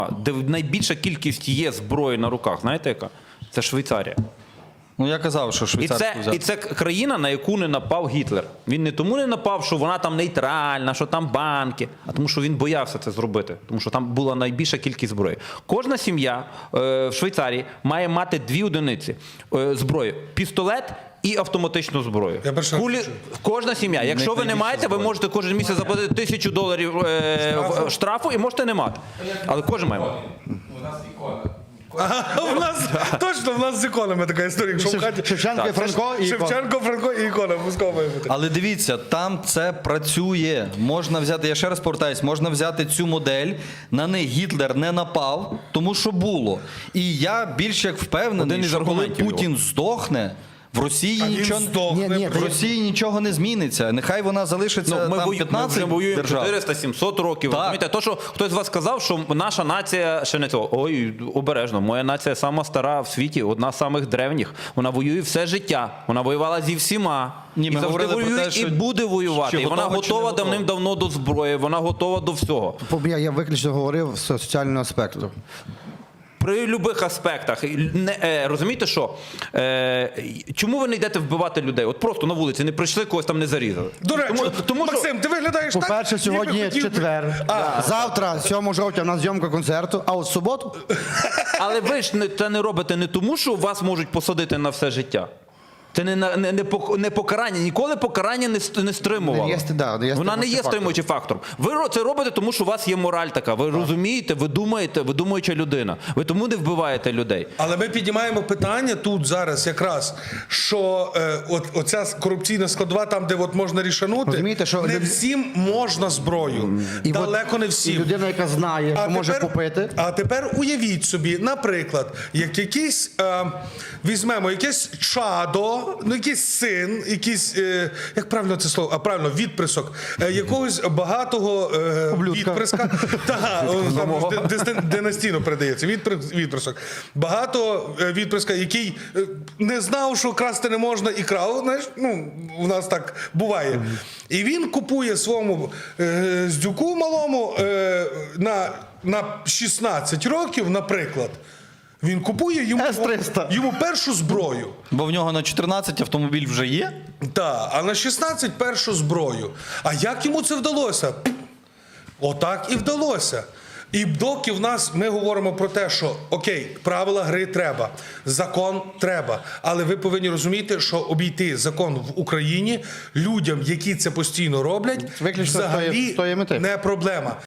де найбільша кількість є зброї на руках, знаєте яка? Це Швейцарія. Ну, я казав, що швейцарську взяти. І це країна, на яку не напав Гітлер. Він не тому не напав, що вона там нейтральна, що там банки, а тому, що він боявся це зробити. Тому що там була найбільша кількість зброї. Кожна сім'я в Швейцарії має мати 2 одиниці зброї. Пістолет і автоматичну зброю. Кожна сім'я. Якщо ви не маєте, ви можете кожен місяць заплатити $1000 штрафу і можете не мати. Але кожен має мати. У нас ікона. У нас, точно, в нас з іконами така історія. Якщо в хаті Шевченко і Франко і ікона. Шевченко, Франко і ікона обов'язково має бути. Але дивіться, там це працює. Можна взяти, я ще раз повертаюсь, можна взяти цю модель, на них Гітлер не напав, тому що було. І я більш як впевнений, що коли Путін здохне, в Росії нічого не зміниться. Нехай вона залишиться там 15 ми воюємо держав. 400-700 років. Розумієте? То, що хтось з вас сказав, що наша нація ще не цього. Ой, обережно, моя нація сама стара в світі, одна з самих древніх. Вона воює все життя. Вона воювала зі всіма. Ні, і ми завжди говорили про воює, те, що, і буде воювати. І вона готова давним-давно до зброї, вона готова до всього. Я виключно говорив з соціального аспекту. При будь-яких аспектах. Розумієте, що? Чому ви не йдете вбивати людей? От просто на вулиці не прийшли, когось там не зарізали. До речі, Максим, ти виглядаєш так, По-перше, сьогодні ніби хотів би- четвер. Завтра, 7 жовтня, у нас зйомка концерту, а от в суботу... Але ви ж це не робите не тому, що вас можуть посадити на все життя. Це не покарання. Ніколи покарання не стримувало. Вона не є стримуючим фактором. Ви це робите, тому що у вас є мораль така. Ви розумієте, ви думаєте, ви думаюча людина. Ви тому не вбиваєте людей. Але ми піднімаємо питання тут зараз якраз, що оця корупційна складова, там, де от можна рішанути, Розумієте, що не всім можна зброю. Далеко не всім. І людина, яка знає, що може купити. А тепер уявіть собі, наприклад, як якийсь, візьмемо якесь чадо, ну якийсь син, якийсь, як правильно це слово, правильно, відприсок, якогось багатого відприска, династійно передається, відприсок, багато відприска, який не знав, що красти не можна і крав, знаєш, ну, у нас так буває. І він купує своєму здюку малому на 16 років, наприклад, він купує йому першу зброю. Бо в нього на 14 автомобіль вже є? Так, а на 16 першу зброю. А як йому це вдалося? Отак і вдалося. І доки в нас ми говоримо про те, що окей, правила гри треба, закон треба, але ви повинні розуміти, що обійти закон в Україні людям, які це постійно роблять, взагалі не проблема.